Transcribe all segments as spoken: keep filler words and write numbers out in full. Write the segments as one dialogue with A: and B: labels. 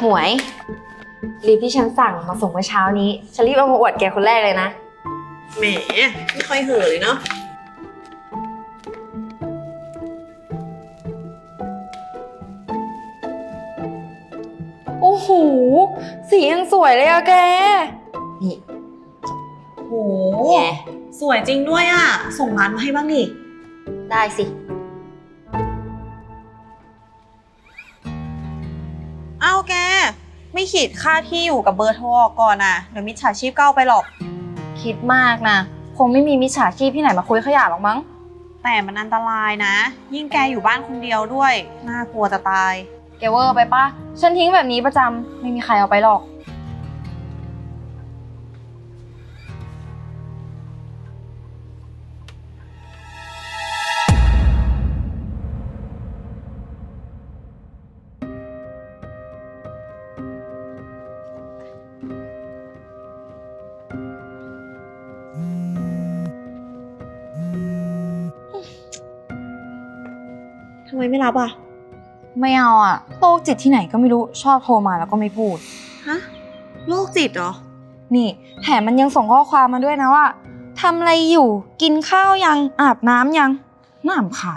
A: หมวยรีบที่ฉันสั่งมาส่งเมื่อเช้านี้ฉันรีบเอามาอวดแกคนแรกเลยนะ
B: แหมไม่ค่อยเห่อเลยเนาะ
A: โอ้โหสียังสวยเลยอะแกนี่
B: โหสวยจริงด้วยอ่ะส่งร้านมาให้บ้างดิ
A: ได้สิ
B: เอ้าแกไม่ขีดค่าที่อยู่กับเบอร์โทรก่อนอ่ะเดี๋ยวมิจฉาชีพก็เอาไปหรอก
A: คิดมากนะคงไม่มีมิจฉาชีพที่ไหนมาคุยขยะหรอกมั้ง
B: แต่มันอันตรายนะยิ่งแกอยู่บ้านคนเดียวด้วยน่ากลัวจะตาย
A: แกเวอร์ไปปะฉันทิ้งแบบนี้ประจำไม่มีใครเอาไปหรอก
B: ทำไมไม่รับอ่ะ
A: ไม่เอาอะโรคจิตที่ไหนก็ไม่รู้ชอบโทรมาแล้วก็ไม่พูด
B: ฮะโรคจิตเหรอ
A: นี่แถมมันยังส่งข้อความมาด้วยนะว่าทำอะไรอยู่กินข้าวยังอาบน้ำยังน้ำขาด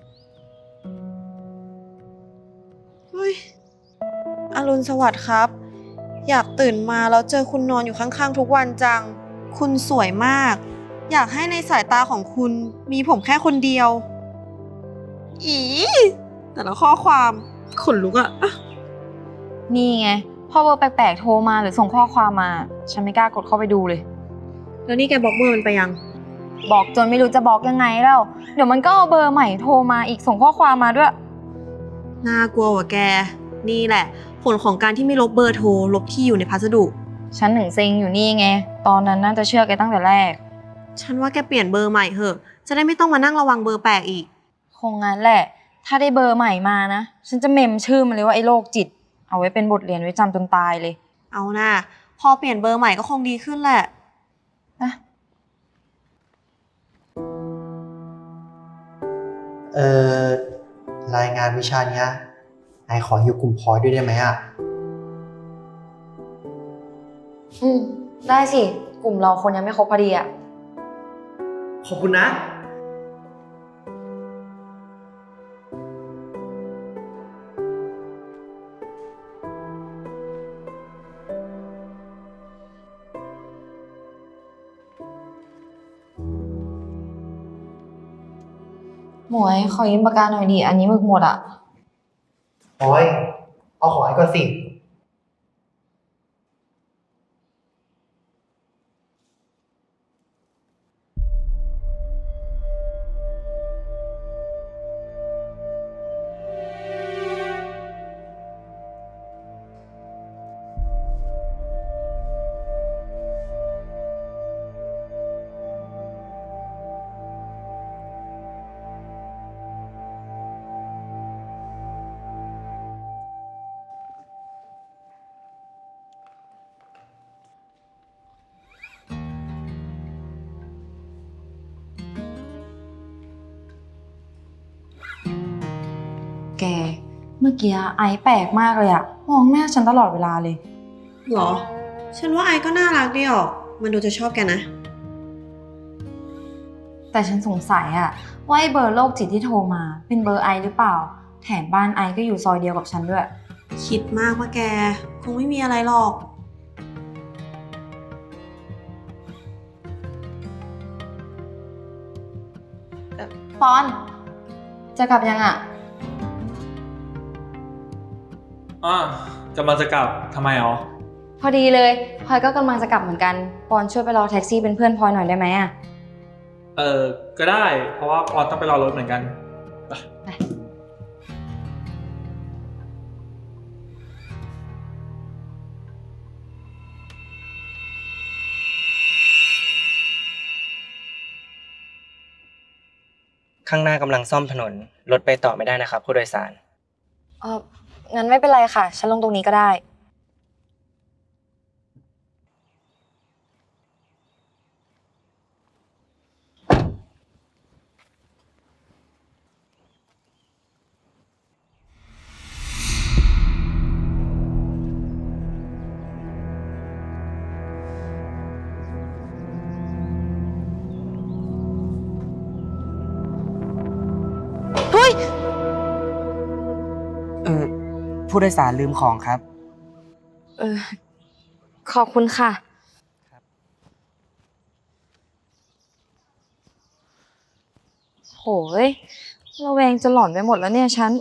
B: เฮ้ยอรุณสวัสดิ์ครับอยากตื่นมาแล้วเจอคุณนอนอยู่ข้างๆทุกวันจังคุณสวยมากอยากให้ในสายตาของคุณมีผมแค่คนเดียวอีแต่ละข้อความขนลุกอะ
A: นี่ไงพอเบอร์แปลกๆโทรมาหรือส่งข้อความมาฉันไม่กล้ากดเข้าไปดูเลย
B: แล้วนี่แกบล็อกเบอร์มันไปยัง
A: บอกจนไม่รู้จะบล็อกยังไงแล้วเดี๋ยวมันก็เอาเบอร์ใหม่โทรมาอีกส่งข้อความมาด้วย
B: น่ากลัวว่ะแกนี่แหละผลของการที่ไม่ลบเบอร์โทรลบที่อยู่ในพัสดุ
A: ฉันถึงเซ็งอยู่นี่ไงตอนนั้นน่าจะเชื่อแกตั้งแต่แรก
B: ฉันว่าแกเปลี่ยนเบอร์ใหม่เหอะจะได้ไม่ต้องมานั่งระวังเบอร์แปลกอีก
A: คงงั้นแหละถ้าได้เบอร์ใหม่มานะฉันจะเมมชื่อมันเลยว่าไอ้โรคจิตเอาไว้เป็นบทเรียนไว้จำจนตายเลย
B: เอาน่ะพอเปลี่ยนเบอร์ใหม่ก็คงดีขึ้นแหละ
A: นะ
C: เอ่อรายงานวิชาเนี้ยนายขออยู่กลุ่มพอยด้วยได้ไหมอ่ะ
A: อืมได้สิกลุ่มเราคนยังไม่ครบพอดีอ่ะ
C: ขอบคุณนะ
A: หมวยขอยืมปากกาหน่อยดิอันนี้หมึกหมดอ่ะ
C: พอยเอาของไอ้ก่อนสิ
A: แกเมื่อกี้ไอซ์แปลกมากเลยอะมองหน้าฉันตลอดเวลาเลย
B: หรอฉันว่าไอก็น่ารักดีออกมันดูจะชอบแกนะ
A: แต่ฉันสงสัยอะว่าไอ้เบอร์โรคจิตที่โทรมาเป็นเบอร์ไอซ์หรือเปล่าแถมบ้านไอซ์ก็อยู่ซอยเดียวกับฉันด้วย
B: คิดมากว่าแกคงไม่มีอะไรหรอก
A: ปอนจะกลับยังอะ
D: อ่า กำลังจะกลับทำไมอ๋อ
A: พอดีเลยพลอยก็กำลังจะกลับเหมือนกันปอนช่วยไปรอแท็กซี่เป็นเพื่อนพลอยหน่อยได้ไหมอะ
D: เออก็ได้เพราะว่าปอนต้องไปรอรถเหมือนกันไป
E: ข้างหน้ากำลังซ่อมถนนรถไปต่อไม่ได้นะครับผู้โดยสาร
A: เอองั้นไม่เป็นไรค่ะฉันลงตรงนี้ก็ได้
E: ผู้โดยสารลืมของครับ
A: เออ ขอบคุณค่ะ โหยระแวงจะหลอนไปหมดแล้วเนี่ยฉัน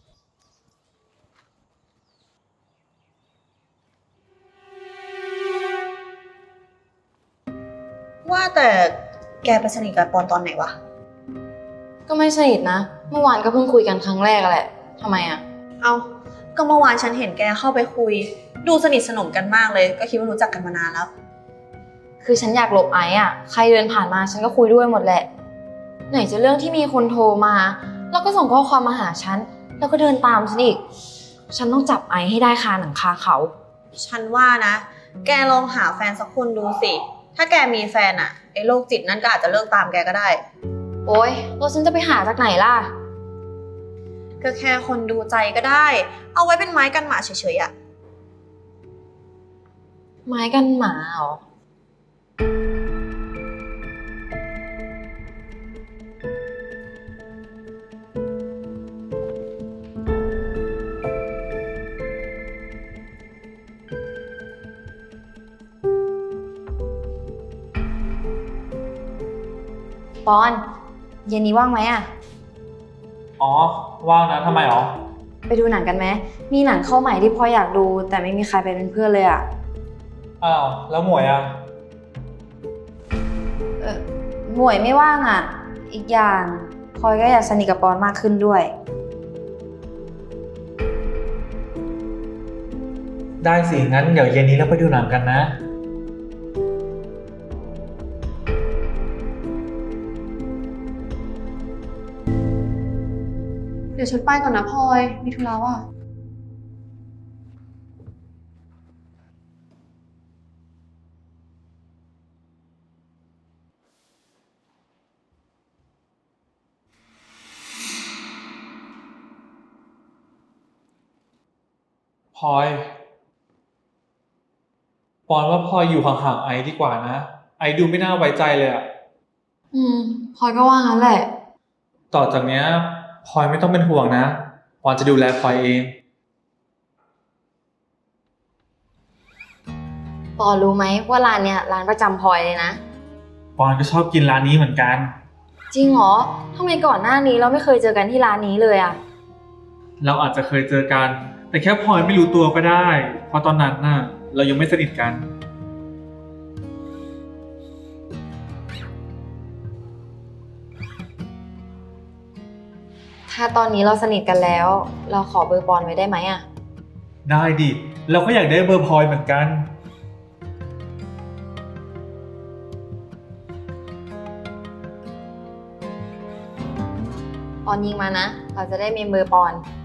B: ว่าแต่แกไปสนิทกับปอนตอนไหนวะ
A: ก็ไม่สนิทนะ เมื่อวานก็เพิ่งคุยกันครั้งแรกแหละทำไมอ่ะ
B: เอาก็เมื่อวานฉันเห็นแกเข้าไปคุย ดูสนิทสนมกันมากเลย ก็คิดว่ารู้จักกันมานานแล้ว
A: คือฉันอยากหลบไอ้อ่ะ ใครเดินผ่านมาฉันก็คุยด้วยหมดแหละ ไหนจะเรื่องที่มีคนโทรมา แล้วก็ส่งข้อความมาหาฉัน แล้วก็เดินตามฉันอีก ฉันต้องจับไอ้ให้ได้คาหนังคาเขา
B: ฉันว่านะ แกลองหาแฟนสักคนดูสิ ถ้าแกมีแฟนอะไอ้โรคจิตนั่นก็อาจจะเลิกตามแกก็ได้
A: โอ๊ยแล้วฉันจะไปหาจากไหนล่ะ
B: ก็แค่คนดูใจก็ได้ เอาไว้เป็นไม้กันหมาเฉยๆอะ
A: ไม้กันหมาเหรอ ปอน เย็นนี้ว่างไหมอ่ะ
D: อ๋อ ว่างนะทำไมหรอ
A: ไปดูหนังกันไหม มีหนังเข้าใหม่ที่พออยากดู แต่ไม่มีใครไปเป็นเพื่อนเลยอ่ะ
D: อ้าว แล้วหมวยอ่ะ
A: เออหมวยไม่ว่างอ่ะ อีกอย่างพลอยก็อยากสนิทกับปอนมากขึ้นด้วย
D: ได้สิ งั้นเดี๋ยวเย็นนี้เราไปดูหนังกันนะ
B: เดี๋ยวฉันไปก่อนนะพลอย มีธุระว่ะ
D: พลอย ปอนว่าพลอยอยู่ห่างๆไอซ์ดีกว่านะ ไอซ์ดูไม่น่าไว้ใจเลยอะ
A: อืมพลอยก็ว่างั้นแหละ
D: ต่อจากเนี้ยพลอยไม่ต้องเป็นห่วงนะ ปอนจะดูแลพลอยเอง
A: ปอนรู้ไหมว่าร้านเนี้ยร้านประจำพลอยเลยนะ
D: ปอนก็ชอบกินร้านนี้เหมือนกัน
A: จริงเหรอทำไมก่อนหน้านี้เราไม่เคยเจอกันที่ร้านนี้เลยอ่ะ
D: เราอาจจะเคยเจอกัน แต่แค่พลอยไม่รู้ตัวก็ได้ เพราะตอนนั้นน่ะ เรายังไม่สนิทกัน
A: ถ้าตอนนี้เราสนิทกันแล้ว เราขอเบอร์ปอนไว้ได้ไหมอ่ะ
D: ได้ดิ เราก็อยากได้เบอร์พลอยเหมือนกัน
A: ปอนยิงมานะ เราจะได้มีเบอร์ปอน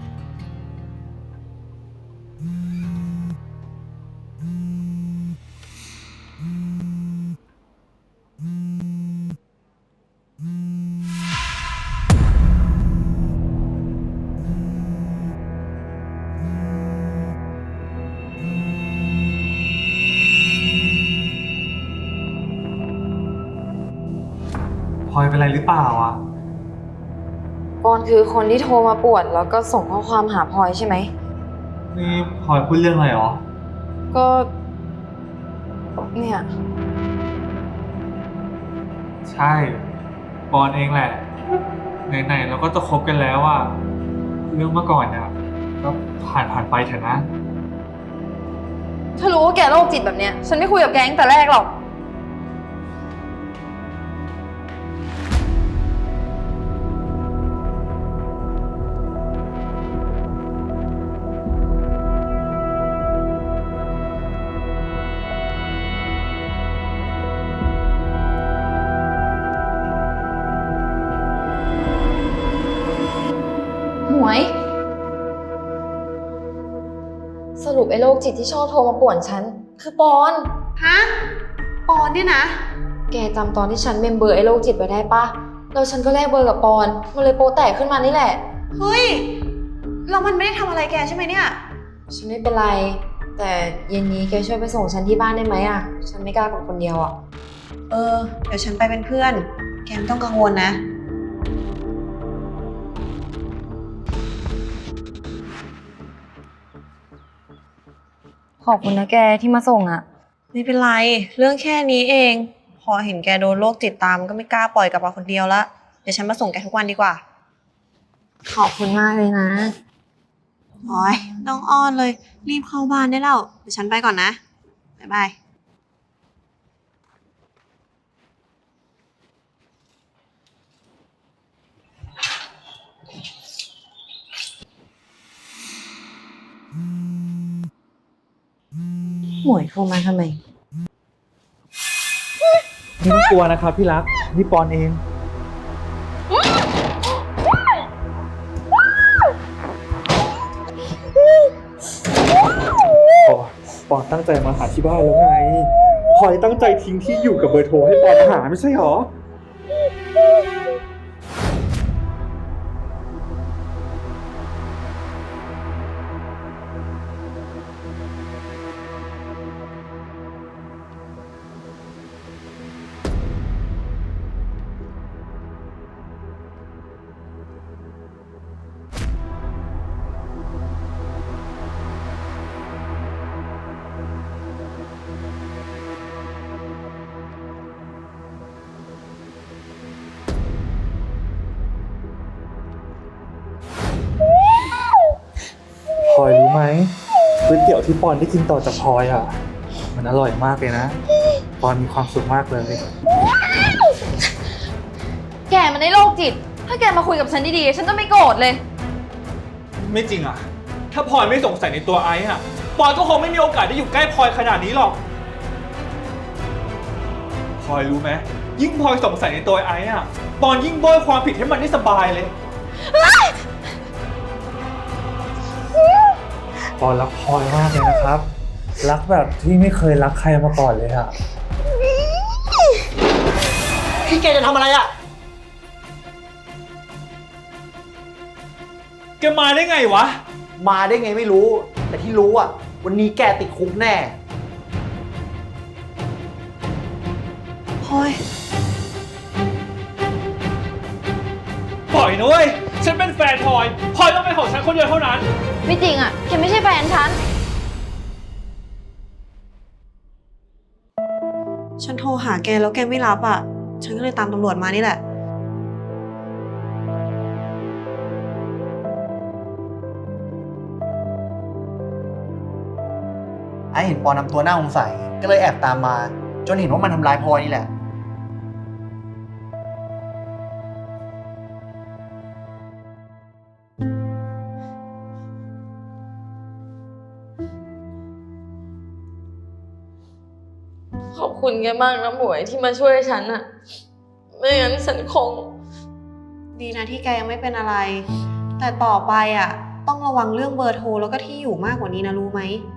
D: พลอยเป็นไรหรือเปล่าอ่ะ
A: ปอนคือคนที่โทรมาป่วนแล้วก็ส่งข้อความหาพลอยใช่ไหม
D: นี่พลอยพูดเรื่องอะไรหรอ
A: ก็ เนี่ย
D: ใช่ ปอนเองแหละ ไหนๆเราก็จะคบกันแล้วอ่ะ เรื่องเมื่อก่อนเนี่ยก็ผ่านผ่านไปเถอะนะ
A: ถ้ารู้ว่าแกโรคจิตแบบเนี้ย ฉันไม่คุยกับแกตั้งแต่แรกหรอก หมวย สรุปไอ้โรคจิตที่ชอบโทรมาป่วนฉัน คือปอน
B: ฮะ ปอนเนี่ยนะ
A: แกจำตอนที่ฉันเมมเบอร์ไอ้โรคจิตไว้ได้ปะแล้วฉันก็แลกเบอร์กับปอน มันเลยโปแตกขึ้นมานี่แหละ
B: เฮ้ย เรามันไม่ได้ทำอะไรแกใช่ไหมเนี่ย
A: ฉันไม่เป็นไร แต่เย็นนี้แกช่วยไปส่งฉันที่บ้านได้ไหมอ่ะ ฉันไม่กล้ากลับคนเดียวอ่ะ
B: เออ เดี๋ยวฉันไปเป็นเพื่อน แกไม่ต้องกังวลนะ
A: ขอบคุณนะแกที่มาส่งอะ
B: ไม่เป็นไร เรื่องแค่นี้เอง พอเห็นแกโดนโรคจิตตามก็ไม่กล้าปล่อยกลับมาคนเดียวละเดี๋ยวฉันมาส่งแกทุกวันดีกว่า
A: ขอบคุณมากเลยนะ
B: โอ้ยต้องอ้อนเลย รีบเข้าบ้านได้แล้ว เดี๋ยวฉันไปก่อนนะ บ๊ายบาย
A: หมวยโทรมาทำไม
D: ไม่ต้องกลัวนะครับพี่รัก นี่ปอนเอง ปอนปอนตั้งใจมาหาที่บ้านแล้วไงพลอยตั้งใจทิ้งที่อยู่กับเบอร์โทรให้ปอนหาไม่ใช่หรอ พลอยรู้ไหมก๋วยเตี๋ยวที่ปอนได้กินต่อจากพลอยอ่ะ มันอร่อยมากเลยนะ ปอนมีความสุขมากเลย
A: แกมันได้โรคจิต ถ้าแกมาคุยกับฉันดีๆ ฉันจะไม่โกรธเลย
D: ไม่จริงอ่ะ ถ้าพลอยไม่สงสัยในตัวไอซ์อ่ะ ปอนก็คงไม่มีโอกาสได้อยู่ใกล้พลอยขนาดนี้หรอก พลอยรู้ไหมยิ่งพลอยสงสัยในตัวไอซ์อ่ะ ปอนยิ่งโบยความผิดให้มันได้สบายเลย ปอนรักพลอยมากเลยนะครับ รักแบบที่ไม่เคยรักใครมาก่อนเลยอ่ะ
C: พี่แกจะทำอะไรอ่ะ
D: แกมาได้ไงวะ
C: มาได้ไงไม่รู้ แต่ที่รู้อ่ะ วันนี้แกติดคุกแน่
B: พลอย
D: ปล่อยนะเว้ย ฉันเป็นแฟนพลอย พลอยต้องเป็นของฉันคนเดียวเท่านั้น
A: ไม่จริงอะแกไม่ใช่แฟนฉัน
B: ฉันโทรหาแกแล้วแกไม่รับอ่ะ ฉันก็เลยตามตำรวจมานี่แหละ
C: ไอเห็นปอนำตัวน่าสงสัยก็เลยแอบตามมา จนเห็นว่ามันทำร้ายพลอยนี่แหละ
A: ขอบคุณแกมากนะหมวยที่มาช่วยฉันอะไม่งั้นฉันคง
B: ดีนะที่แกยังไม่เป็นอะไร แต่ต่อไปอ่ะ ต้องระวังเรื่องเบอร์โทรแล้วก็ที่อยู่มากกว่านี้นะรู้ไหม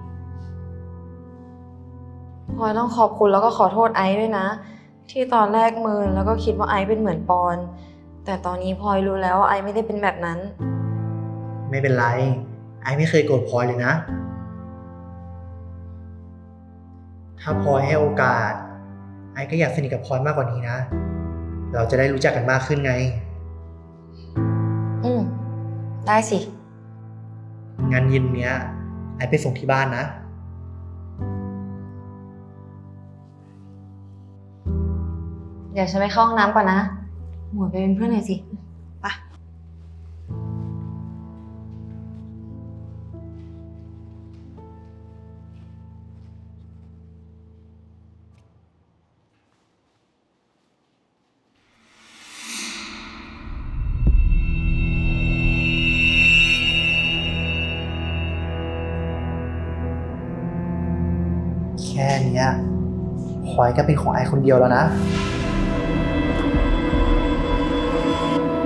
A: พลอยต้องขอบคุณแล้วก็ขอโทษไอซ์ด้วยนะ ที่ตอนแรกเมินแล้วก็คิดว่าไอซ์เป็นเหมือนปอน แต่ตอนนี้พลอยรู้แล้วว่าไอซ์ไม่ได้เป็นแบบนั้น
C: ไม่เป็นไร ไอไม่เคยโกรธพลอยเลยนะ ถ้าพลอยให้โอกาส ไอก็อยากสนิทกับพลอยมากกว่านี้นะ เราจะได้รู้จักกันมากขึ้นไง
A: อืมได้สิ
C: งานเย็นเนี้ย ไอไปส่งที่บ้านนะ
A: เดี๋ยวฉันไปเข้าห้องน้ำก่อนนะ หมวยไปเป็นเพื่อนหน่อยสิ
B: ไป
C: แค่เนี้ยพลอยก็เป็นของไอคนเดียวแล้วนะ